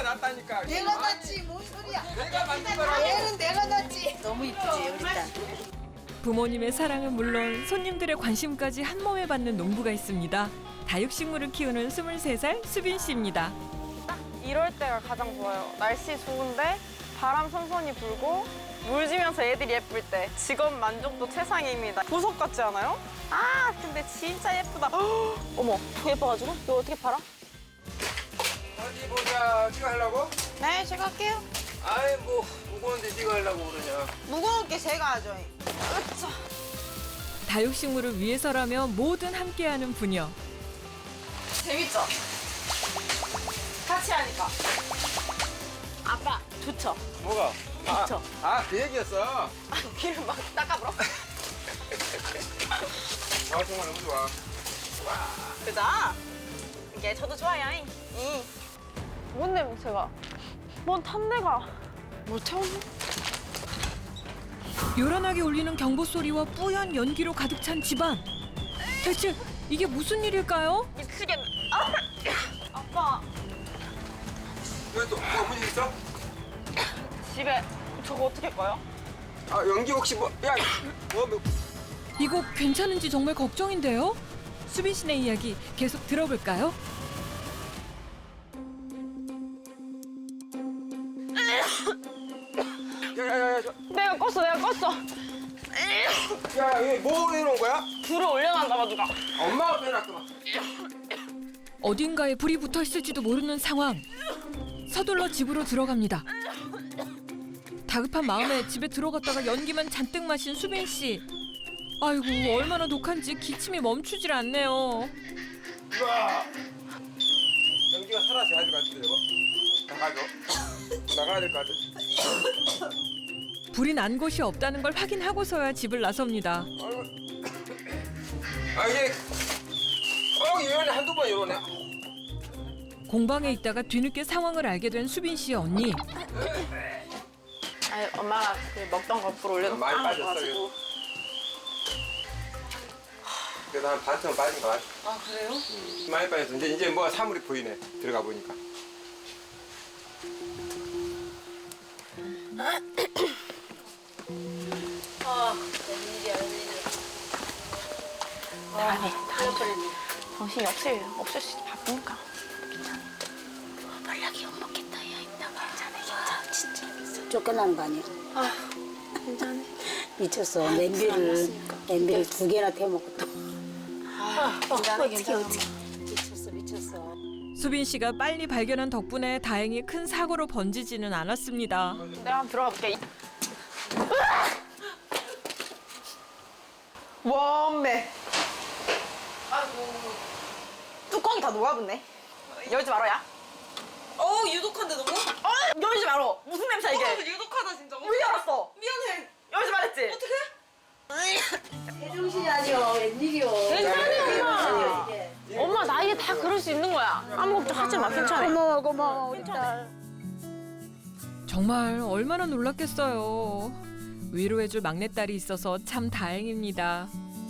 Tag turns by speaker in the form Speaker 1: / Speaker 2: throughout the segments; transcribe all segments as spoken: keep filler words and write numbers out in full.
Speaker 1: 낳았다니까.
Speaker 2: 내가 낳지 뭔 소리야.
Speaker 1: 내가 만든 거라고.
Speaker 2: 얘는 내가 낳지. 너무 이쁘지 우리 딸.
Speaker 3: 부모님의 사랑은 물론 손님들의 관심까지 한 몸에 받는 농부가 있습니다. 다육식물을 키우는 스물세 살 수빈 씨입니다.
Speaker 4: 이럴 때가 가장 좋아요. 날씨 좋은데 바람 선선히 불고 물 지면서 애들이 예쁠 때 직업 만족도 최상입니다. 보석 같지 않아요? 아 근데 진짜 예쁘다. 헉, 어머 더 예뻐가지고 이거 어떻게 팔아?
Speaker 1: 어디 보자. 네가 하려고?
Speaker 4: 네 제가 할게요.
Speaker 1: 아이 뭐 무거운데 네가 하려고 그러냐.
Speaker 4: 무거운 게 제가 하죠. 으쌰.
Speaker 3: 다육식물을 위해서라면 뭐든 함께하는 부녀.
Speaker 4: 재밌죠? 같이 하니까. 아빠 좋죠?
Speaker 1: 뭐가?
Speaker 4: 그쵸.
Speaker 1: 아 그 얘기였어.
Speaker 4: 아 귀를 막 닦아버려?
Speaker 1: 아 정말 너무 좋아.
Speaker 4: 그죠? 이게 저도 좋아요. 이. 뭔 냄새가? 뭔 탄내가? 뭐 태웠나?
Speaker 3: 요란하게 울리는 경보 소리와 뿌연 연기로 가득 찬 집안. 대체 이게 무슨 일일까요?
Speaker 4: 미치겠네. 아! 아빠
Speaker 1: 왜 또 뭐 무슨 일 있어?
Speaker 4: 집에 저거 어떻게 할 거예요?
Speaker 1: 아 연기 혹시 뭐? 야 뭐? 뭐.
Speaker 3: 이거 괜찮은지 정말 걱정인데요. 수빈 씨네 이야기 계속 들어볼까요?
Speaker 1: 야야야야.
Speaker 4: 내가 껐어 내가 껐어.
Speaker 1: 야야 이거 뭐 해놓은 거야?
Speaker 4: 불을 올려놨나 봐 누가.
Speaker 1: 엄마가 빼놨구나.
Speaker 3: 어딘가에 불이 붙어 있을지도 모르는 상황. 서둘러 집으로 들어갑니다. 다급한 마음에 집에 들어갔다가 연기만 잔뜩 마신 수빈 씨. 아이고 얼마나 독한지 기침이 멈추질 않네요.
Speaker 1: 우와. 연기가 사라져야 될 것 같은데 이거. 나가죠. 나가야 될 것 같아.
Speaker 3: 불이 난 곳이 없다는 걸 확인하고서야 집을 나섭니다.
Speaker 1: 아이고. 아 이게 어 이번에 한두 번 이러네.
Speaker 3: 공방에 있다가 뒤늦게 상황을 알게 된 수빈 씨의 언니.
Speaker 4: 아니 엄마가 그 먹던 거 불 올려놓고
Speaker 1: 많이 빠졌어,
Speaker 4: 가지고.
Speaker 1: 그래도 한 반쯤 빠진 것 같아.
Speaker 4: 아 그래요?
Speaker 1: 많이 빠졌어. 이제 이제 뭐가 사물이 보이네. 들어가 보니까.
Speaker 2: 아 웬일이야 웬일이야.
Speaker 4: 아니 다행히 정신이 없을 없을 수 바쁘니까.
Speaker 2: 연락이 못 먹겠다 야 이따가. 괜찮아 괜찮아 진짜. 쫓겨나는 거 아니야?
Speaker 4: 아 괜찮네.
Speaker 2: 미쳤어. 냄비를 냄비를 두 개나 태워먹고 또.
Speaker 4: 아 괜찮아 괜찮아.
Speaker 2: 미쳤어 미쳤어.
Speaker 3: 수빈 씨가 빨리 발견한 덕분에 다행히 큰 사고로 번지지는 않았습니다.
Speaker 4: 내가 한번 들어가 볼게. 원매. 아이고. 뚜껑이 다 녹아붙네. 열지 말아야.
Speaker 5: 어 유독한데 너무?
Speaker 4: 어, 열지 말어. 무슨 냄새야 이게?
Speaker 5: 어, 유독하다 진짜.
Speaker 4: 왜 열었어?
Speaker 5: 미안해.
Speaker 4: 열지 말했지?
Speaker 5: 어떡해?
Speaker 2: 제정신이 아니여 웬일이여.
Speaker 4: 괜찮아 엄마. 엄마 나이에 다 그럴 수 있는 거야. 아무 걱정 하지 마. 괜찮아.
Speaker 2: 고마워 고마워 우리 딸.
Speaker 3: 정말 얼마나 놀랐겠어요. 위로해줄 막내딸이 있어서 참 다행입니다.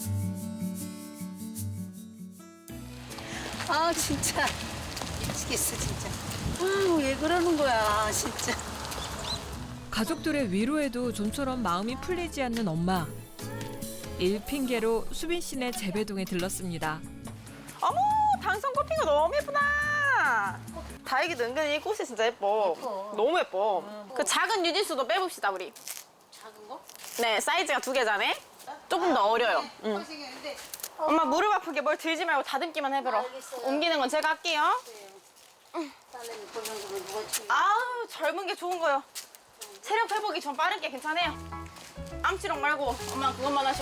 Speaker 2: 아 진짜 미치겠어 진짜. 아왜 그러는 거야 진짜.
Speaker 3: 가족들의 위로에도 좀처럼 마음이 풀리지 않는 엄마. 일 핑계로 수빈 씨네 재배동에 들렀습니다.
Speaker 4: 어머 당선 꽃핀 거 너무 예쁘다. 다육이도 은근히 꽃이 진짜 예뻐.
Speaker 2: 예뻐.
Speaker 4: 너무 예뻐. 그 작은 유진수도 빼봅시다 우리.
Speaker 2: 작은 거?
Speaker 4: 네 사이즈가 두 개잖아요. 조금 더 어려요. 응.
Speaker 2: 생겼는데.
Speaker 4: 엄마 무릎 아프게 뭘 들지 말고 다듬기만 해보라.
Speaker 2: 알겠어요.
Speaker 4: 옮기는 건 제가 할게요.
Speaker 2: 딸내미 보는 거면 누가 치?
Speaker 4: 아우 젊은 게 좋은 거요. 체력 회복이 좀 빠른 게 괜찮아요. 암치롱 말고 엄마 그것만 하셔.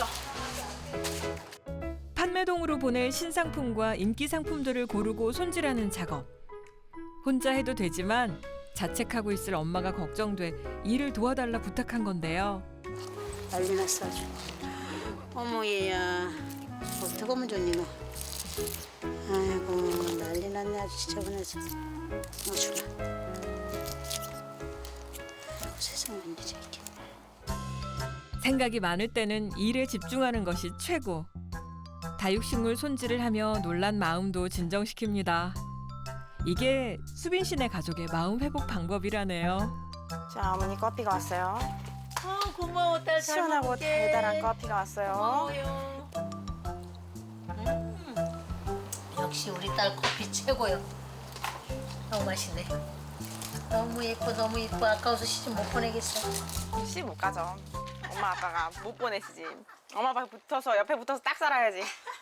Speaker 3: 판매동으로 보낼 신상품과 인기 상품들을 고르고 손질하는 작업. 혼자 해도 되지만 자책하고 있을 엄마가 걱정돼 일을 도와달라 부탁한 건데요.
Speaker 2: 난리 났어 아주. 어머 얘야 어떡하면 좋니 너. 아이고 난리 났네 아주 지저분해서. 어 주라. 아이고 세상 웬일이야 이게.
Speaker 3: 생각이 많을 때는 일에 집중하는 것이 최고. 다육식물 손질을 하며 놀란 마음도 진정시킵니다. 이게 수빈 씨네 가족의 마음 회복 방법이라네요.
Speaker 4: 자, 어머니 커피가 왔어요.
Speaker 2: 아 고마워 딸. 잘
Speaker 4: 시원하고
Speaker 2: 먹을게.
Speaker 4: 달달한 커피가 왔어요.
Speaker 2: 고마워요. 음, 역시 우리 딸 커피 최고요. 너무 맛있네. 너무 예뻐 너무 예뻐. 아까워서 시집 못 보내겠어.
Speaker 4: 시 못 가죠. 엄마 아빠가 못 보내시지. 엄마 아빠 붙어서 옆에 붙어서 딱 살아야지.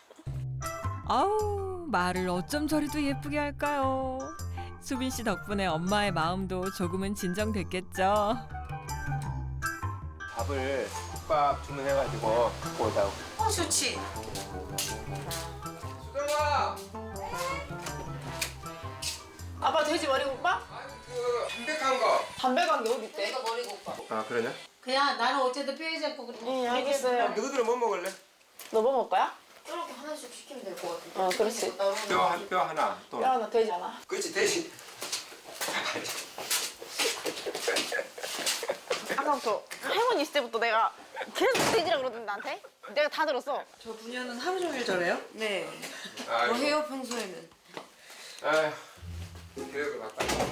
Speaker 3: 아우 말을 어쩜 저리도 예쁘게 할까요? 수빈 씨 덕분에 엄마의 마음도 조금은 진정됐겠죠.
Speaker 1: 밥을 국밥 주문해가지고 갖고 오자고.
Speaker 5: 어, 좋지.
Speaker 1: 수정아!
Speaker 5: 아빠 돼지 머리 오빠?
Speaker 1: 아니 그 담백한 거.
Speaker 5: 담배간 게 어디 있대?
Speaker 2: 내가 머리고 오빠.
Speaker 1: 아 그러냐?
Speaker 2: 그냥 나는 어쨌든 뼈에 잡고 그래.
Speaker 4: 응, 알겠어요.
Speaker 1: 너희들은 뭐 먹을래?
Speaker 4: 너 뭐 먹을 거야?
Speaker 2: 저렇게 하나씩 시키면 될 것 같아.
Speaker 4: 어, 그렇지.
Speaker 1: 뼈, 한, 뼈 하나 또.
Speaker 4: 야, 나 돼지 하나.
Speaker 1: 그렇지 대신.
Speaker 4: 아까부터 할머니 있을 때부터 내가 계속 돼지라 그러던데 나한테? 내가 다 들었어.
Speaker 5: 저 부녀는 하루 종일 저래요? 네.
Speaker 1: 아이고.
Speaker 5: 뭐 해요 평소에는?
Speaker 1: 아휴, 교육을 바꿔.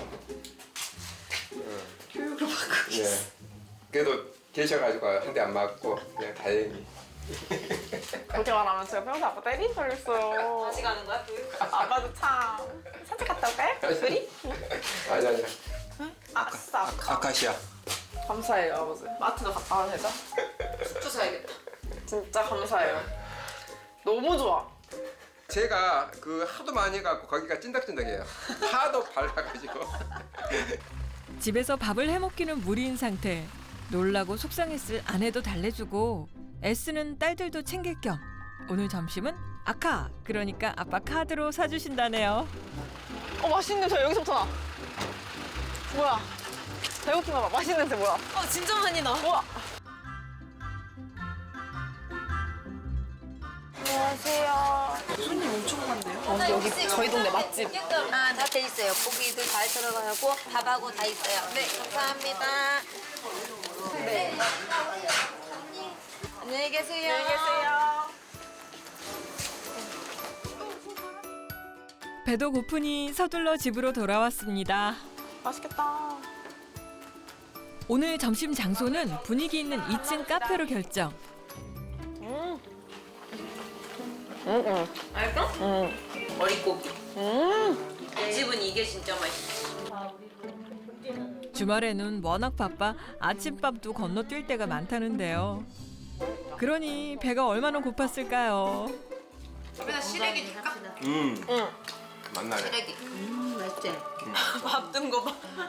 Speaker 5: 교육을 받고
Speaker 1: 예. 그래도 계셔가지고 한 대 안 맞고 그냥 다행히.
Speaker 4: 그렇게 말하면 제가 평소 아빠 때린 줄 알았어요.
Speaker 5: 다시 가는 거야 교육?
Speaker 4: 아빠도 참. 산책 갔다 올까요? 둘이?
Speaker 1: 아니 아니.
Speaker 4: 아싸.
Speaker 1: 아카시아.
Speaker 4: 감사해요 아버지. 마트도 갔다 와도 되죠?
Speaker 5: 숙주 사야겠다.
Speaker 4: 진짜 감사해요. 너무 좋아.
Speaker 1: 제가 그 하도 많이 해갖고 거기가 찐득찐득해요. 하도 발라가지고.
Speaker 3: 집에서 밥을 해먹기는 무리인 상태. 놀라고 속상했을 아내도 달래주고 애쓰는 딸들도 챙길 겸 오늘 점심은 아카, 그러니까 아빠 카드로 사주신다네요.
Speaker 4: 어 맛있는 냄새 여기서부터 나. 뭐야? 배고픈가 봐. 맛있는 냄새 뭐야?
Speaker 5: 어 진짜 많이 나.
Speaker 4: 우와. 안녕하세요.
Speaker 5: 손님 엄청 많네요.
Speaker 4: 어, 여기 저희 동네 맛집.
Speaker 2: 아, 다 돼 있어요. 고기도 잘 들어가고 밥하고 다 있어요. 네, 감사합니다.
Speaker 4: 네.
Speaker 5: 안녕히 계세요.
Speaker 4: 안녕히 계세요.
Speaker 3: 배도 고프니 서둘러 집으로 돌아왔습니다.
Speaker 4: 맛있겠다.
Speaker 3: 오늘 점심 장소는 분위기 있는 이 층 카페로 결정.
Speaker 4: 음. 음, 음.
Speaker 5: 알까?
Speaker 4: 음.
Speaker 5: 머릿고기.
Speaker 4: 음.
Speaker 5: 이 집은 이게 진짜 맛있어.
Speaker 3: 주말에는 워낙 바빠 아침밥도 건너뛸 때가 많다는데요. 그러니 배가 얼마나 고팠을까요?
Speaker 5: 집에다 시래기 줄까?
Speaker 1: 음.
Speaker 4: 응.
Speaker 1: 만나네.
Speaker 5: 시래기.
Speaker 2: 음, 맛있지?
Speaker 5: 밥 뜬 거 봐.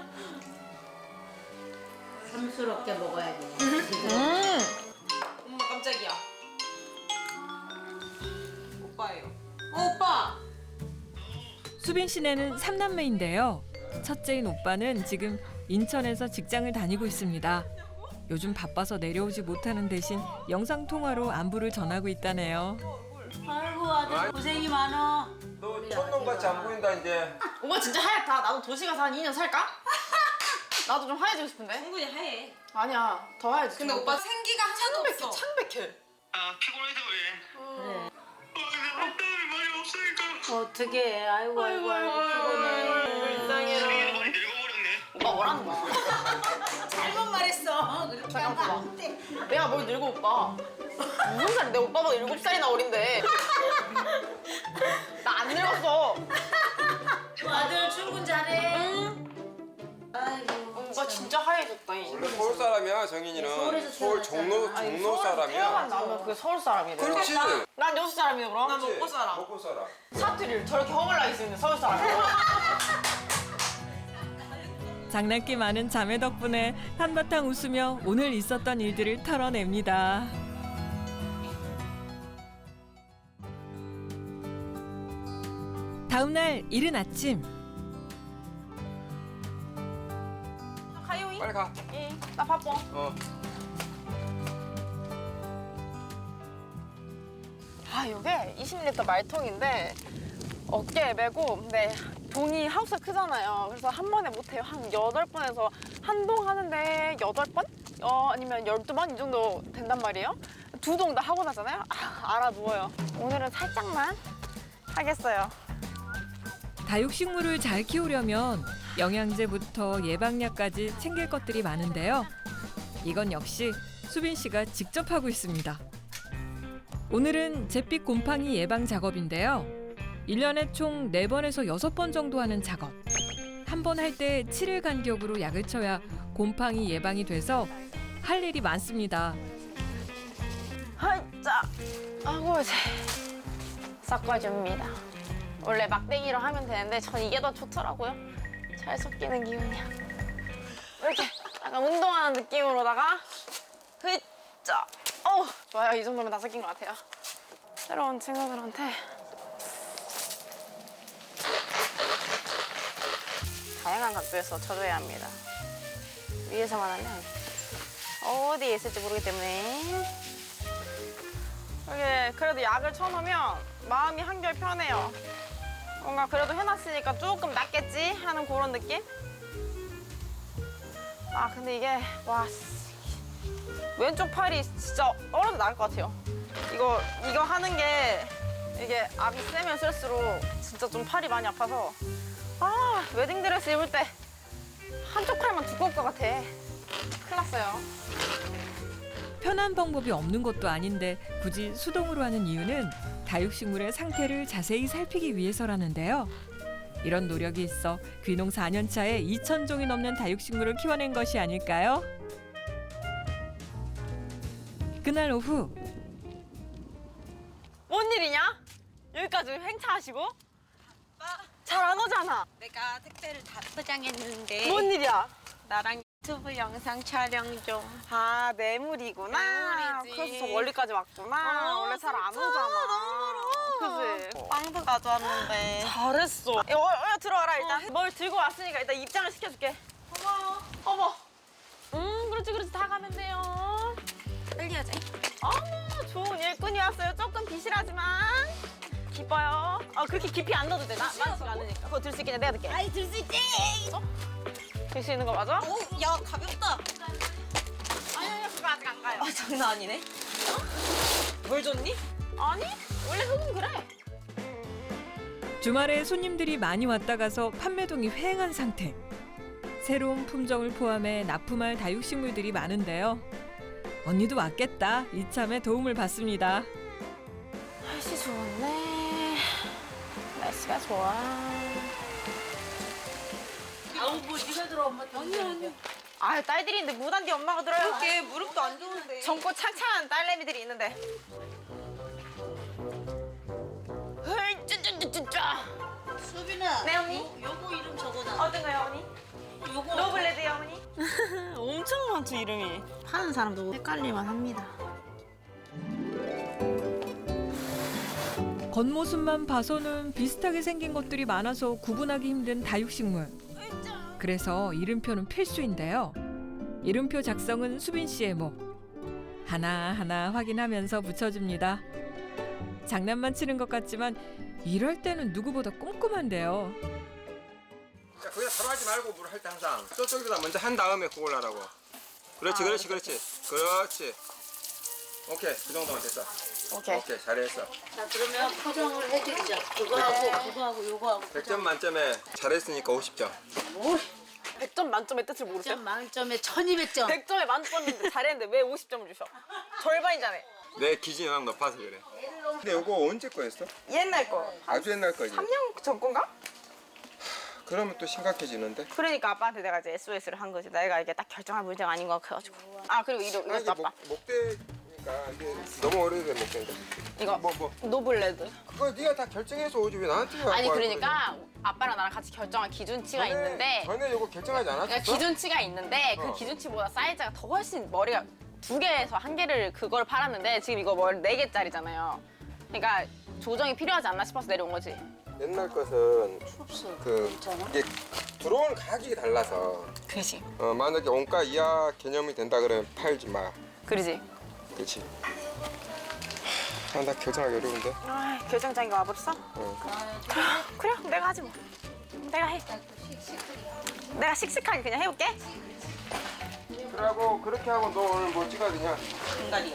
Speaker 2: 삼스럽게 먹어야지.
Speaker 4: 음.
Speaker 5: 엄마 깜짝이야. 오빠예요. 어, 오빠.
Speaker 3: 수빈 씨네는 삼남매인데요. 첫째인 오빠는 지금 인천에서 직장을 다니고 있습니다. 요즘 바빠서 내려오지 못하는 대신 영상통화로 안부를 전하고 있다네요.
Speaker 2: 아이고 아들 고생이 많어.
Speaker 1: 너 촌놈같이 안 보인다 이제.
Speaker 4: 오빠 진짜 하얗다. 나도 도시 가서 한 이 년 살까? 나도 좀 하얘지고 싶은데.
Speaker 5: 충분히 하얘.
Speaker 4: 아니야. 더 하얘지.
Speaker 5: 근데 오빠 생기가 하나도
Speaker 4: 창백해.
Speaker 5: 없어.
Speaker 4: 창백해.
Speaker 6: 아 피곤해서 그래.
Speaker 2: 그래.
Speaker 6: 아 근데 땀이 많이 없으니까.
Speaker 2: 어떻게? 아이고 아이고 아이고 피곤해.
Speaker 4: 불쌍해라.
Speaker 6: 많이 늙어버렸네.
Speaker 4: 오빠 뭐라는 거야?
Speaker 2: 잘못 말했어. 그렇게 하면 안 돼.
Speaker 4: 내가 뭘 늙어 오빠? 무슨 살이? 내 오빠보다 일곱 살이나 어린데. 나 안 늙었어.
Speaker 2: 아들 출근 잘해. 아이고.
Speaker 4: 오빠 진짜 하얘졌다.
Speaker 1: 원래 서울 사람이야 정인이는.
Speaker 2: 서울에서
Speaker 1: 서울 종로
Speaker 2: 태어났잖아.
Speaker 1: 종로
Speaker 4: 태어만
Speaker 1: 사람이야.
Speaker 4: 나면 그게 서울 사람이래.
Speaker 1: 그렇지.
Speaker 4: 난 여수 사람이네 그럼.
Speaker 5: 난 먹고 살아.
Speaker 1: 먹고 살아.
Speaker 4: 사투리를 저렇게 허물나게 쓰는 서울 사람이야.
Speaker 3: 장난기 많은 자매 덕분에 한바탕 웃으며 오늘 있었던 일들을 털어냅니다. 다음 날 이른 아침.
Speaker 4: 가요이?
Speaker 1: 빨리 가.
Speaker 4: 응. 나 바빠.
Speaker 1: 어.
Speaker 4: 아 이게 이십 리터 말통인데 어깨에 메고 근데 동이 하우스가 크잖아요. 그래서 한 번에 못해요. 한 여덟 번에서 한 동 하는데 여덟 번? 어, 아니면 열두 번? 이 정도 된단 말이에요. 두 동 다 하고 나잖아요. 아, 알아 누워요. 오늘은 살짝만 하겠어요.
Speaker 3: 다육식물을 잘 키우려면 영양제부터 예방약까지 챙길 것들이 많은데요. 이건 역시 수빈 씨가 직접 하고 있습니다. 오늘은 잿빛 곰팡이 예방 작업인데요. 일 년에 총 네 번에서 여섯 번 정도 하는 작업. 한 번 할 때 칠 일 간격으로 약을 쳐야 곰팡이 예방이 돼서 할 일이 많습니다.
Speaker 4: 하이자 하고 이제 섞어줍니다. 원래 막대기로 하면 되는데 전 이게 더 좋더라고요. 잘 섞이는 기분이야. 이렇게 약간 운동하는 느낌으로다가 흐짜. 어 좋아요. 이 정도면 다 섞인 것 같아요. 새로운 친구들한테 다양한 각도에서 쳐줘야 합니다. 위에서만 하면 어디에 있을지 모르기 때문에 이게 그래도 약을 쳐놓으면 마음이 한결 편해요. 뭔가 그래도 해놨으니까 조금 낫겠지 하는 그런 느낌? 아 근데 이게 와 왼쪽 팔이 진짜 얼어도 나을 것 같아요. 이거 이거 하는 게 이게 압이 세면 쓸수록 진짜 좀 팔이 많이 아파서 아 웨딩드레스 입을 때 한쪽 팔만 두꺼울 것 같아. 큰일 났어요.
Speaker 3: 편한 방법이 없는 것도 아닌데 굳이 수동으로 하는 이유는 다육식물의 상태를 자세히 살피기 위해서라는데요. 이런 노력이 있어 귀농 사 년 차에 이천 종이 넘는 다육식물을 키워낸 것이 아닐까요? 그날 오후
Speaker 4: 뭔 일이냐? 여기까지 행차하시고? 잘 안 오잖아.
Speaker 5: 내가 택배를 다 포장했는데
Speaker 4: 뭔 일이야?
Speaker 5: 나랑 유튜브 영상 촬영 좀.
Speaker 4: 아 내물이구나.
Speaker 5: 내물이지.
Speaker 4: 그래서 저 멀리까지 왔구나.
Speaker 5: 어,
Speaker 4: 원래 잘 안
Speaker 5: 진짜
Speaker 4: 오잖아.
Speaker 5: 너무 멀어.
Speaker 4: 그치?
Speaker 5: 빵도 가져왔는데.
Speaker 4: 잘했어. 야, 어, 어, 들어와라 일단. 뭘 들고 왔으니까 일단 입장을 시켜줄게.
Speaker 5: 고마워.
Speaker 4: 어머. 음 그렇지 그렇지 다 가면 돼요.
Speaker 5: 빨리 하자.
Speaker 4: 어머 좋은 일꾼이 왔어요. 조금 비실하지만 기뻐요. 아 그렇게 깊이 안 넣어도 돼. 나 많지가 않으니까. 그거 들 수 있겠냐? 내가 들게.
Speaker 5: 아이 들 수 있지.
Speaker 4: 들 수 있는 거 맞아?
Speaker 5: 오, 야 가볍다.
Speaker 4: 아니 아니 그거 아직 안 가요.
Speaker 5: 아 장난 아니네. 어? 뭘 줬니?
Speaker 4: 아니 원래 흙은 그래.
Speaker 3: 주말에 손님들이 많이 왔다 가서 판매동이 휑한 상태. 새로운 품종을 포함해 납품할 다육식물들이 많은데요. 언니도 왔겠다. 이참에 도움을 받습니다.
Speaker 4: 날씨 좋네. 날씨가 좋아.
Speaker 5: 아우 뭐 네가 들어 엄마. 언니 언니.
Speaker 4: 아 딸들인데 무단디 엄마가 들어요.
Speaker 5: 그렇게 무릎도 안 좋은데.
Speaker 4: 젊고 창창한 딸내미들이 있는데. 헐, 쭈쭈쭈쭈쭈.
Speaker 5: 수빈아.
Speaker 4: 네, 언니?
Speaker 5: 요, 요거 이름 적어놔.
Speaker 4: 어떤 거요, 어머니?
Speaker 5: 요거.
Speaker 4: 노블레드요, 어머니?
Speaker 5: 엄청 많죠 이름이. 파는 사람도 헷갈릴만 합니다.
Speaker 3: 겉모습만 봐서는 비슷하게 생긴 것들이 많아서 구분하기 힘든 다육식물. 그래서 이름표는 필수인데요. 이름표 작성은 수빈 씨의 목. 하나하나 확인하면서 붙여줍니다. 장난만 치는 것 같지만 이럴 때는 누구보다 꼼꼼한데요.
Speaker 1: 자, 거기다 바로 하지 말고 물 할 때 항상 저쪽에다 먼저 한 다음에 그걸 하라고. 그렇지,
Speaker 4: 아,
Speaker 1: 그렇지, 그렇지, 그렇지. 오케이, 그 정도면 됐어.
Speaker 4: 오케이.
Speaker 1: 오케이, 잘했어.
Speaker 2: 자 그러면 포장을 해드리자. 그거하고 그거하고 요거하고.
Speaker 1: 백 점 만점에 잘했으니까 오십 점.
Speaker 2: 뭘?
Speaker 4: 백 점 만점의 뜻을 모르세요?
Speaker 2: 점 만점에 천이백 점.
Speaker 4: 백 점에 만점인데 잘했는데 왜 오십 점을 주셔? 절반이잖아요.
Speaker 1: 내 기준이 워낙 높아서 그래. 근데 이거 언제 거였어?
Speaker 4: 옛날 거.
Speaker 1: 아주 옛날 거지.
Speaker 4: 삼 년 전 건가?
Speaker 1: 그러면 또 심각해지는데?
Speaker 4: 그러니까 아빠한테 내가 이제 에스오에스를 한 거지. 내가 이게 딱 결정할 문제가 아닌 것 같아가지고. 아 그리고 이거
Speaker 1: 아, 이게
Speaker 4: 이것도 아빠.
Speaker 1: 목, 목대니까 이게 너무 오래된 목대인데.
Speaker 4: 이거
Speaker 1: 뭐, 뭐.
Speaker 4: 노블레드.
Speaker 1: 그거 네가 다 결정해서 오지 왜 나한테 갖고
Speaker 4: 아니
Speaker 1: 할
Speaker 4: 그러니까 아빠랑 나랑 같이 결정한 기준치가
Speaker 1: 거야? 전에-
Speaker 4: 있는데
Speaker 1: 전에 이거 결정하지 않았어?
Speaker 4: 그러니까 기준치가 있는데 그
Speaker 1: 어.
Speaker 4: 기준치보다 사이즈가 더 훨씬 머리가 두 개에서 한 개를 그걸 팔았는데 지금 이거 뭘 네 개짜리잖아요. 그러니까 조정이 필요하지 않나 싶어서 내려온 거지.
Speaker 1: 옛날 것은
Speaker 2: 없어.
Speaker 1: 그
Speaker 2: 괜찮아?
Speaker 1: 이게 들어오는 가격이 달라서
Speaker 4: 그지.
Speaker 1: 어, 만약에 원가 이하 개념이 된다 그러면 팔지 마.
Speaker 4: 그러지.
Speaker 1: 그렇지. 아, 나 결정하기 어려운데.
Speaker 4: 아 결정장애가 와버렸어?
Speaker 1: 어.
Speaker 4: 그래 내가 하지 뭐. 내가 해. 내가 씩씩하게 그냥 해볼게.
Speaker 1: 그러고 그렇게 하고 너 오늘 뭐 찍어야 되냐?
Speaker 5: 중간이.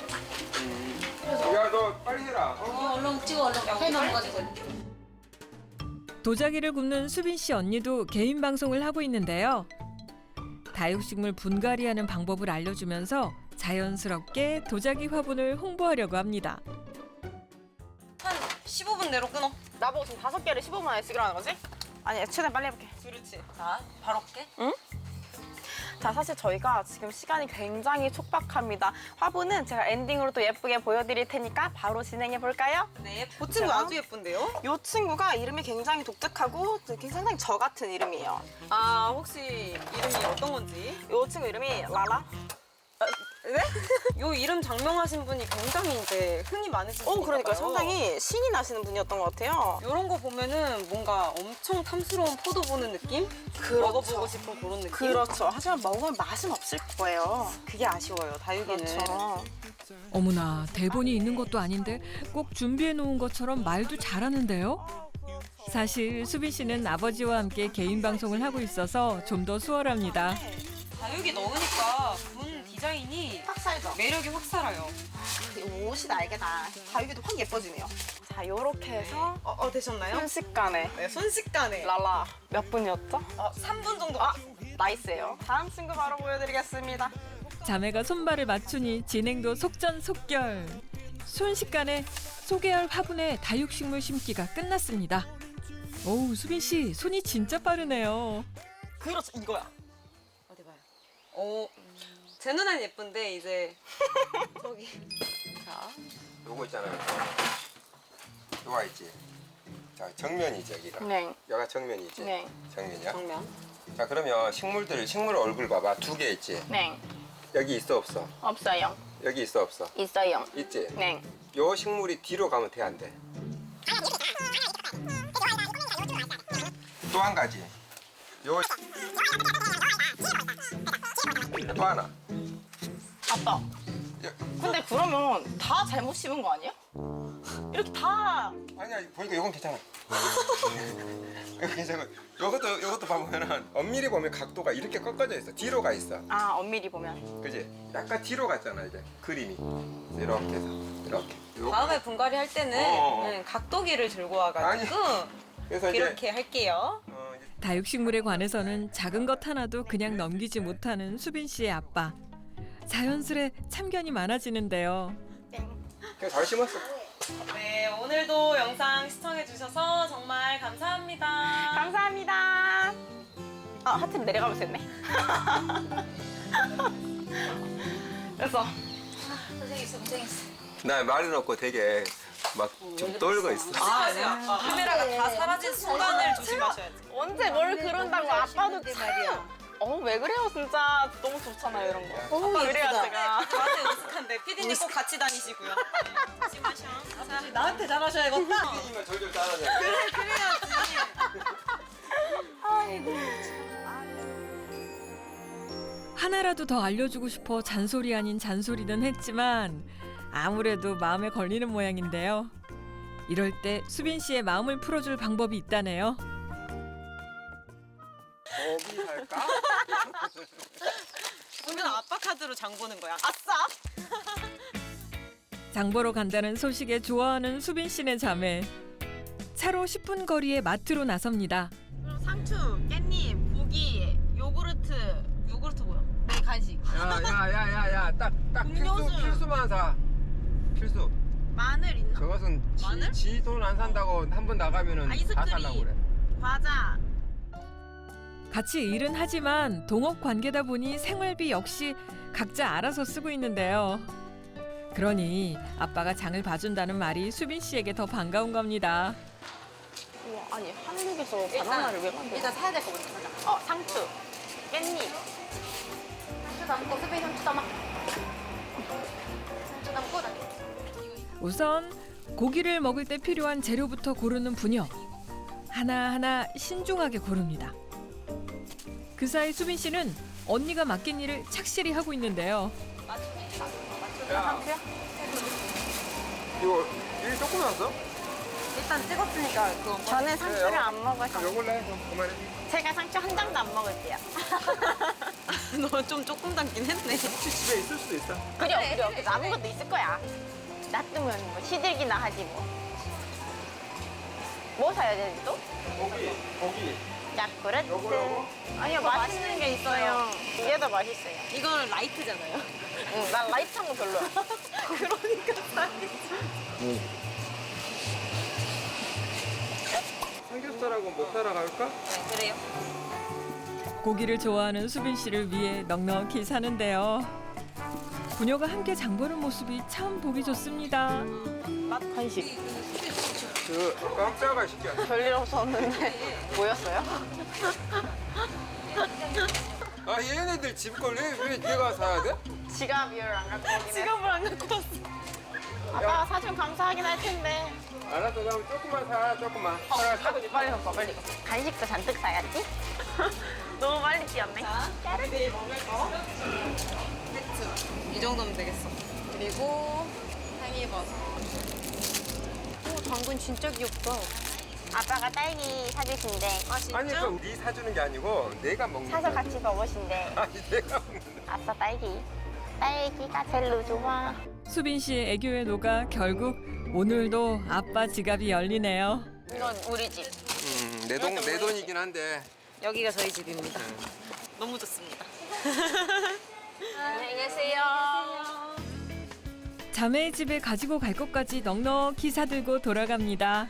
Speaker 1: 야 너 빨리 해라. 어?
Speaker 2: 어, 얼른 찍어 얼른 해 넘어가지고.
Speaker 3: 도자기를 굽는 수빈 씨 언니도 개인 방송을 하고 있는데요. 다육식물 분갈이하는 방법을 알려주면서 자연스럽게 도자기 화분을 홍보하려고 합니다.
Speaker 5: 한 십오 분 내로 끊어.
Speaker 4: 나보고 지금 다섯 개를 십오 분 안에 쓰기로 하는 거지? 아니, 최대한 빨리 해볼게.
Speaker 5: 그렇지. 자, 바로 할게.
Speaker 4: 자, 사실 저희가 지금 시간이 굉장히 촉박합니다. 화분은 제가 엔딩으로 또 예쁘게 보여드릴 테니까 바로 진행해 볼까요?
Speaker 5: 네, 그 친구 아주 예쁜데요?
Speaker 4: 이 친구가 이름이 굉장히 독특하고 굉장히 저 같은 이름이에요.
Speaker 5: 아, 혹시 이름이 어떤 건지?
Speaker 4: 이 친구 이름이 라라.
Speaker 5: 네? 요 이름 장명하신 분이 굉장히 이제 흔히 많으신
Speaker 4: 오,
Speaker 5: 분인가
Speaker 4: 그러니까
Speaker 5: 봐요.
Speaker 4: 상당히 신이 나시는 분이었던 것 같아요.
Speaker 5: 이런 거 보면은 뭔가 엄청 탐스러운 포도 보는 느낌?
Speaker 4: 그렇죠.
Speaker 5: 먹어보고 싶은 그런 느낌?
Speaker 4: 그렇죠. 하지만 먹으면 맛은 없을 거예요.
Speaker 5: 그게 아쉬워요, 다육이는.
Speaker 4: 그렇죠.
Speaker 3: 어머나, 대본이 있는 것도 아닌데 꼭 준비해 놓은 것처럼 말도 잘하는데요. 사실 수빈 씨는 아버지와 함께 개인 방송을 하고 있어서 좀 더 수월합니다.
Speaker 5: 다육이 넣으니까 분 디자인이
Speaker 4: 확 살죠?
Speaker 5: 매력이 확 살아요.
Speaker 4: 옷이 날개다. 다육이도 확 예뻐지네요. 자, 요렇게 해서
Speaker 5: 어, 어 되셨나요?
Speaker 4: 순식간에
Speaker 5: 네, 순식간에.
Speaker 4: 랄라 몇 분이었죠?
Speaker 5: 어, 삼 분 정도.
Speaker 4: 아, 나이스예요. 다음 친구 바로 보여드리겠습니다.
Speaker 3: 자매가 손발을 맞추니 진행도 속전속결. 순식간에 소개할 화분에 다육식물 심기가 끝났습니다. 오우, 수빈 씨 손이 진짜 빠르네요.
Speaker 5: 그렇죠, 이거야. 어디 봐요. 어, 제 눈엔 예쁜데 이제 저기. 자,
Speaker 1: 요거 있잖아요. 요거 있지. 자, 정면이지 여기가.
Speaker 4: 네.
Speaker 1: 여기가 정면이지.
Speaker 4: 네.
Speaker 1: 정면이야.
Speaker 5: 정면.
Speaker 1: 자, 그러면 식물들 식물 얼굴 봐봐. 두 개 있지.
Speaker 4: 네.
Speaker 1: 여기 있어 없어?
Speaker 4: 없어요.
Speaker 1: 여기 있어 없어?
Speaker 4: 있어요.
Speaker 1: 있지.
Speaker 4: 네.
Speaker 1: 요 식물이 뒤로 가면 돼 안 돼? 또 한 가지. 요 또 하나.
Speaker 4: 아빠.
Speaker 1: 야,
Speaker 4: 근데 그러면 다 잘못 심은 거 아니야? 이렇게 다.
Speaker 1: 아니야 보니까 요건 괜찮아. 이거 괜찮아. 요것도 요것도 봐보면은 엄밀히 보면 각도가 이렇게 꺾어져 있어. 뒤로 가 있어.
Speaker 4: 아, 엄밀히 보면.
Speaker 1: 그지? 약간 뒤로 갔잖아 이제 그림이. 이렇게 해서 이렇게. 요-
Speaker 5: 다음에 분갈이 할 때는
Speaker 1: 어, 어.
Speaker 5: 음, 각도기를 들고 와가지고
Speaker 1: 그래서 이제
Speaker 5: 이렇게 할게요.
Speaker 1: 어, 이제
Speaker 3: 다육식물에 관해서는 작은 것 하나도 그냥 넘기지 못하는 수빈 씨의 아빠. 자연스레 참견이 많아지는데요.
Speaker 1: 그냥 잘 심었어.
Speaker 5: 네, 오늘도 영상 시청해주셔서 정말 감사합니다.
Speaker 4: 감사합니다. 아, 하트 내려가면서 했네. 그래서
Speaker 2: 고생했어, 고생했어.
Speaker 1: 나 말은 없고 되게 막 좀 떨고 있어.
Speaker 5: 아, 네, 아빠. 카메라가 다 사라진 순간을 조심하셔야지.
Speaker 4: 언제 뭘 그런다고
Speaker 2: 너무
Speaker 4: 아빠도
Speaker 2: 잘하시는데
Speaker 4: 참.
Speaker 2: 말이야.
Speaker 4: 어, 왜 그래요, 진짜. 너무 좋잖아요, 이런 거.
Speaker 2: 어우,
Speaker 4: 아빠 그래야
Speaker 2: 예쁘다.
Speaker 4: 제가.
Speaker 5: 저한테 으슥한데 피디님 꼭 같이 다니시고요. 네, 조심하셔. 자,
Speaker 2: 나한테 잘하셔야겠다.
Speaker 1: 이만 절절 따라내.
Speaker 3: 하나라도 더 알려주고 싶어 잔소리 아닌 잔소리는 했지만 아무래도 마음에 걸리는 모양인데요. 이럴 때 수빈 씨의 마음을 풀어줄 방법이 있다네요.
Speaker 1: 거기 할까?
Speaker 5: 오늘 아빠 카드로 장 보는 거야.
Speaker 4: 아싸!
Speaker 3: 장 보러 간다는 소식에 좋아하는 수빈 씨네 자매. 차로 십 분 거리의 마트로 나섭니다.
Speaker 4: 그럼 상추, 깻잎, 고기, 요구르트.
Speaker 5: 요구르트 뭐야?
Speaker 4: 네, 간식.
Speaker 1: 야야야야야 딱딱 필수
Speaker 4: 음료수.
Speaker 1: 필수만 사. 필수.
Speaker 4: 마늘 있나?
Speaker 1: 저것은
Speaker 5: 마늘?
Speaker 1: 지 돈 안 산다고 한 번 나가면은 다
Speaker 4: 아이스크림.
Speaker 1: 살라고 그래.
Speaker 4: 과자.
Speaker 3: 같이 일은 하지만 동업 관계다 보니 생활비 역시 각자 알아서 쓰고 있는데요. 그러니 아빠가 장을 봐준다는 말이 수빈 씨에게 더 반가운 겁니다.
Speaker 4: 우와, 아니, 한국에서 바나나를 왜 만들어?
Speaker 5: 일단 사야 될 거 먼저 사자.
Speaker 4: 어, 상추, 깻잎.
Speaker 2: 상추 담고, 수빈 상추 담아. 상추 담고, 나.
Speaker 3: 우선 고기를 먹을 때 필요한 재료부터 고르는 부녀. 하나하나 신중하게 고릅니다. 그 사이 수빈 씨는 언니가 맡긴 일을 착실히 하고 있는데요.
Speaker 1: 야, 이거 일 조금 났어?
Speaker 5: 일단 찍었으니까 그거.
Speaker 4: 저는 상추를 안 먹어서.
Speaker 1: 요걸래? 좀 그만해.
Speaker 4: 제가 상추 한 장도 안 먹을게요.
Speaker 5: 너 좀 조금 담긴 했네.
Speaker 1: 혹시 집에 있을 수도 있어.
Speaker 4: 그래, 그래. 그래서 남은 것도 있을 거야. 놔두면 뭐 시들기나 하지 뭐. 뭐 사야 되지 또?
Speaker 1: 고기, 고기.
Speaker 4: 야쿠르트.
Speaker 1: 요거, 요거?
Speaker 4: 아니요, 맛있는 게 있어요. 이게 더 맛있어요.
Speaker 5: 이건 라이트잖아요.
Speaker 4: 응, 난 라이트한 거 별로야.
Speaker 5: 그러니까
Speaker 1: 삼겹살하고 목살하고 할까?
Speaker 5: 네, 그래요.
Speaker 3: 고기를 좋아하는 수빈 씨를 위해 넉넉히 사는데요. 부녀가 함께 장보는 모습이 참 보기 좋습니다.
Speaker 4: 맛 간식.
Speaker 1: 그 깜짝아 시켜.
Speaker 4: 별일 없었는데 뭐였어요?
Speaker 1: 아 얘네들 집 걸 왜 왜 내가 사야 돼?
Speaker 4: 지갑을 안 갖고 오긴 해.
Speaker 5: 지갑을 안 갖고 왔어.
Speaker 4: 아빠가 사주면 감사하긴 할 텐데.
Speaker 1: 알았어 그럼 조금만 사 조금만. 하나 사.
Speaker 4: 빨리 빨리 섞어 빨리. 간식도 잔뜩 사야지. 너무 빨리 뛰었네.
Speaker 5: 내일 먹을 거. 세트. 이 정도면 되겠어. 그리고 상의버섯. 오, 당근 진짜 귀엽다.
Speaker 4: 아빠가 딸기 사주신대.
Speaker 5: 아, 진짜?
Speaker 1: 아니 그럼 네 사주는 게 아니고 내가 먹는
Speaker 4: 사서
Speaker 1: 거야.
Speaker 4: 같이 먹으신대.
Speaker 1: 아니 내가 먹는 거야.
Speaker 4: 아싸 딸기. 딸기가 제일 좋아.
Speaker 3: 수빈 씨의 애교에 녹아 결국 오늘도 아빠 지갑이 열리네요.
Speaker 4: 이건 우리 집.
Speaker 1: 음, 내 돈 내 돈이긴 한데.
Speaker 5: 여기가 저희 집입니다. 너무 좋습니다.
Speaker 4: 안녕히 계세요.
Speaker 3: 자매의 집에 가지고 갈 것까지 넉넉히 사들고 돌아갑니다.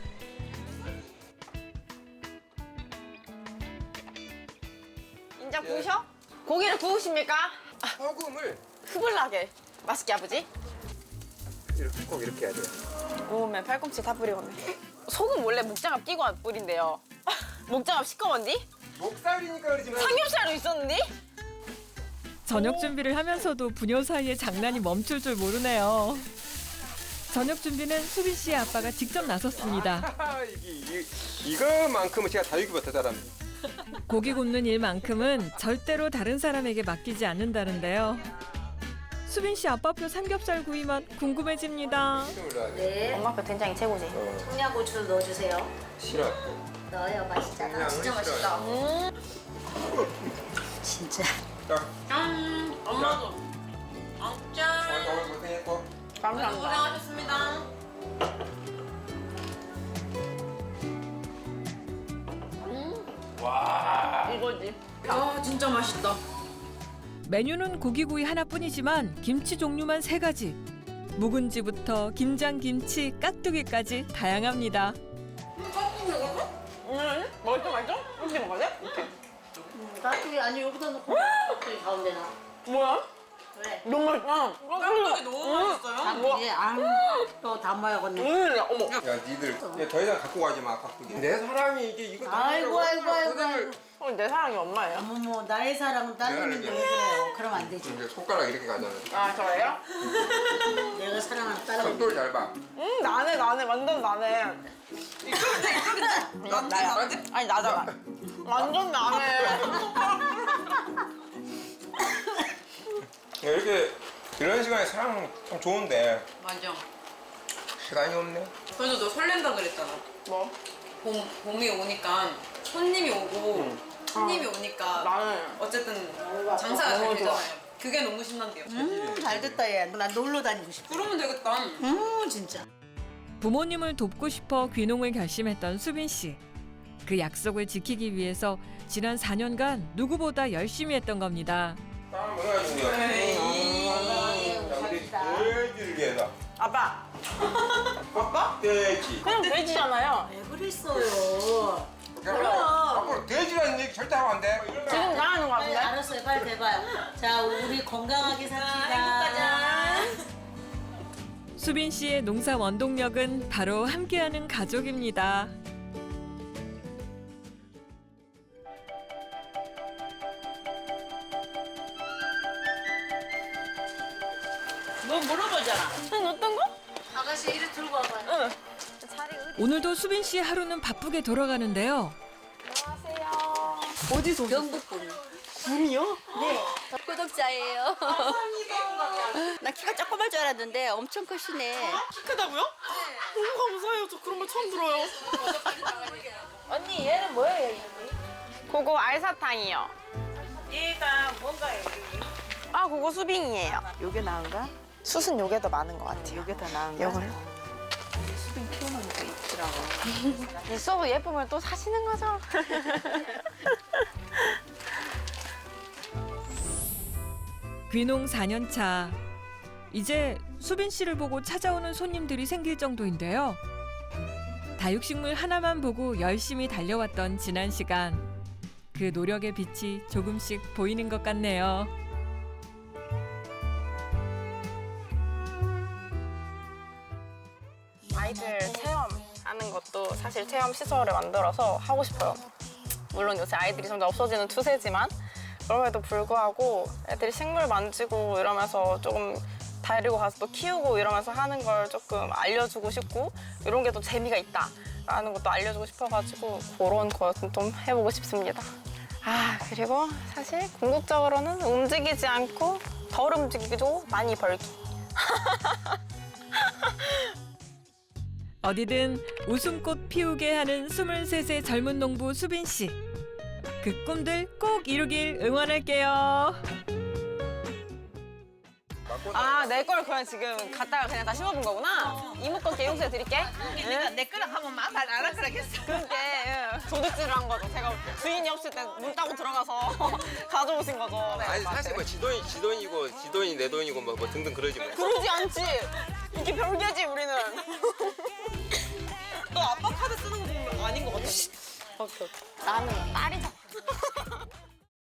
Speaker 4: 인자 구우셔? 고기를 구우십니까?
Speaker 1: 소금을
Speaker 4: 흐블나게. 맛있게 아버지?
Speaker 1: 이렇게 꼭 이렇게 해야 돼.
Speaker 4: 구우면 팔꿈치 다 뿌리겠네. 소금 원래 목장갑 끼고 뿌린대요. 목장갑 시꺼먼디?
Speaker 1: 목살이니까 그러지만.
Speaker 4: 삼겹살도 있었는데?
Speaker 3: 저녁 준비를 하면서도 부녀 사이에 장난이 멈출 줄 모르네요. 저녁 준비는 수빈 씨의 아빠가 직접 나섰습니다.
Speaker 1: 아, 이게 이, 이거만큼은 제가 다육이 못하 잘합니다.
Speaker 3: 고기 굽는 일만큼은 절대로 다른 사람에게 맡기지 않는다는데요. 수빈 씨 아빠표 삼겹살 구이 맛 궁금해집니다.
Speaker 1: 이름을 넣어야 돼.
Speaker 2: 네.
Speaker 4: 엄마표 된장이 최고지.
Speaker 1: 어,
Speaker 2: 청양고추를 넣어주세요.
Speaker 1: 싫어.
Speaker 2: 넣어요. 맛있잖아.
Speaker 1: 그냥
Speaker 2: 진짜
Speaker 1: 싫어요.
Speaker 2: 맛있다. 진짜.
Speaker 1: 자,
Speaker 5: 짠! 엄마도. 아, 짠!
Speaker 1: 오늘 오늘 고생했고.
Speaker 4: 감사합니다.
Speaker 5: 고생하셨습니다.
Speaker 4: 이거지.
Speaker 5: 아, 진짜 맛있다.
Speaker 3: 메뉴는 고기구이 하나뿐이지만 김치 종류만 세 가지. 묵은지부터 김장김치, 깍두기까지 다양합니다.
Speaker 4: 응? 맛있어 맛있어? 이렇게 먹어야 돼? 이렇게.
Speaker 2: 깍두기 아니 여기다 놓고 깍두기 가운데 놔.
Speaker 4: 뭐야?
Speaker 2: 그래.
Speaker 4: 너무 맛있다.
Speaker 5: 깍두기 너무 맛있어요.
Speaker 2: 깍두기 안또 담아야겠네.
Speaker 4: 음, 어머.
Speaker 1: 야, 니들 이제 더 이상 갖고 가지 마, 깍두기. 내 사랑이 이게 이거.
Speaker 2: 아이고 아이고 아이고.
Speaker 1: 고생을-
Speaker 2: 아이고.
Speaker 4: 어, 내 사랑이 엄마예요.
Speaker 2: 어머머 나의 사랑은 딸내미인데 왜 그래요? 그럼 안 되지.
Speaker 1: 이제 손가락 이렇게 가잖아.
Speaker 4: 아, 저예요?
Speaker 2: 내가 사랑하는 딸내미.
Speaker 1: 각도를 잘 봐.
Speaker 4: 음, 나네, 나네. 완전 나네.
Speaker 5: 이쪽인데, 이쪽인데. 나,
Speaker 4: 나야.
Speaker 5: 나한테?
Speaker 4: 아니, 나잖아. 완전 나네.
Speaker 1: 이렇게 이런 시간에 사랑 참 좋은데
Speaker 5: 맞아.
Speaker 1: 시간이 없네.
Speaker 5: 그래서 너 설렌다 그랬잖아.
Speaker 4: 뭐?
Speaker 5: 봄, 봄이 오니까 손님이 오고 손님이 오니까
Speaker 4: 나는.
Speaker 5: 어쨌든 장사가 잘
Speaker 4: 너무 좋아.
Speaker 5: 되잖아요. 그게 너무 신난대요.
Speaker 2: 음 잘됐다 얘. 나 놀러 다니고 싶어.
Speaker 5: 그러면 되겠다.
Speaker 2: 음 진짜.
Speaker 3: 부모님을 돕고 싶어 귀농을 결심했던 수빈 씨. 그 약속을 지키기 위해서 지난 사 년간 누구보다 열심히 했던 겁니다.
Speaker 1: 빵을 먹어야 주는 거야. 자, 우리 돼지를 위해서.
Speaker 4: 아빠,
Speaker 1: 아빠? 돼지.
Speaker 4: 그냥 돼지잖아요.
Speaker 2: 왜 그랬어요?
Speaker 1: 앞으로 돼지라는 얘기 절대 하면 안 돼.
Speaker 4: 지금 나가는 거
Speaker 2: 빨리
Speaker 4: 같은데?
Speaker 2: 알았어요. 빨리 대봐요. 자 우리 건강하게 삽시다.
Speaker 3: 수빈 씨의 농사 원동력은 바로 함께하는 가족입니다.
Speaker 2: 뭐 물어보잖아.
Speaker 4: 응, 어떤 거?
Speaker 2: 아가씨 이리 들고 와봐요.
Speaker 4: 응. 자리 어디?
Speaker 3: 오늘도 수빈 씨의 하루는 바쁘게 돌아가는데요.
Speaker 4: 안녕하세요.
Speaker 5: 어디서
Speaker 2: 경북분.
Speaker 4: 분이요?
Speaker 2: 네.
Speaker 7: 구독자예요. 나 키가 조그만 줄 알았는데 엄청 크시네.
Speaker 4: 키 크다고요? 너무 감사해요. 저 그런 말 처음 들어요.
Speaker 2: 언니 얘는 뭐예요 이름이?
Speaker 4: 그거 알사탕이요.
Speaker 2: 얘가 뭔가요?
Speaker 4: 아, 그거 수빙이에요.
Speaker 7: 요게 나은가?
Speaker 4: 숯은 요게 더 많은 것 같아요.
Speaker 7: 요게 더 나은가?
Speaker 4: 요거요?
Speaker 7: 수빈 키우는 거 있더라.
Speaker 5: 예쁘더라고.
Speaker 4: 있어도 예쁘면 또 사시는 거죠.
Speaker 3: 귀농 사 년 차. 이제 수빈 씨를 보고 찾아오는 손님들이 생길 정도인데요. 다육식물 하나만 보고 열심히 달려왔던 지난 시간. 그 노력의 빛이 조금씩 보이는 것 같네요.
Speaker 4: 아이들 체험하는 것도 사실 체험 시설을 만들어서 하고 싶어요. 물론 요새 아이들이 점점 없어지는 추세지만 그럼에도 불구하고 애들이 식물 만지고 이러면서 조금 데리고 가서 또 키우고 이러면서 하는 걸 조금 알려주고 싶고 이런 게 또 재미가 있다라는 것도 알려주고 싶어가지고 그런 것은 좀 해보고 싶습니다. 아 그리고 사실 궁극적으로는 움직이지 않고 덜 움직이고 많이 벌기.
Speaker 3: 어디든 웃음꽃 피우게 하는 스물세 세 젊은 농부 수빈 씨. 그 꿈들 꼭 이루길 응원할게요.
Speaker 4: 아, 내 걸 그냥 지금 갖다가 그냥 다 심어본 거구나? 이모 거 개용수에 드릴게.
Speaker 2: 내가 내 거랑 하면 말 안 할 거라겠어.
Speaker 4: 그게 도둑질을 한 거죠. 제가 주인이 없을 때 문 따고 들어가서 가져오신 거죠.
Speaker 1: 아니 사실 뭐 지돈이 지돈이고 지돈이 내 돈이고 뭐, 뭐 등등 그러지 뭐.
Speaker 4: 그러지 않지. 이게 별개지, 우리는. 너 아빠 카드 쓰는 거 보면 아닌 것 같아. 나는 딸이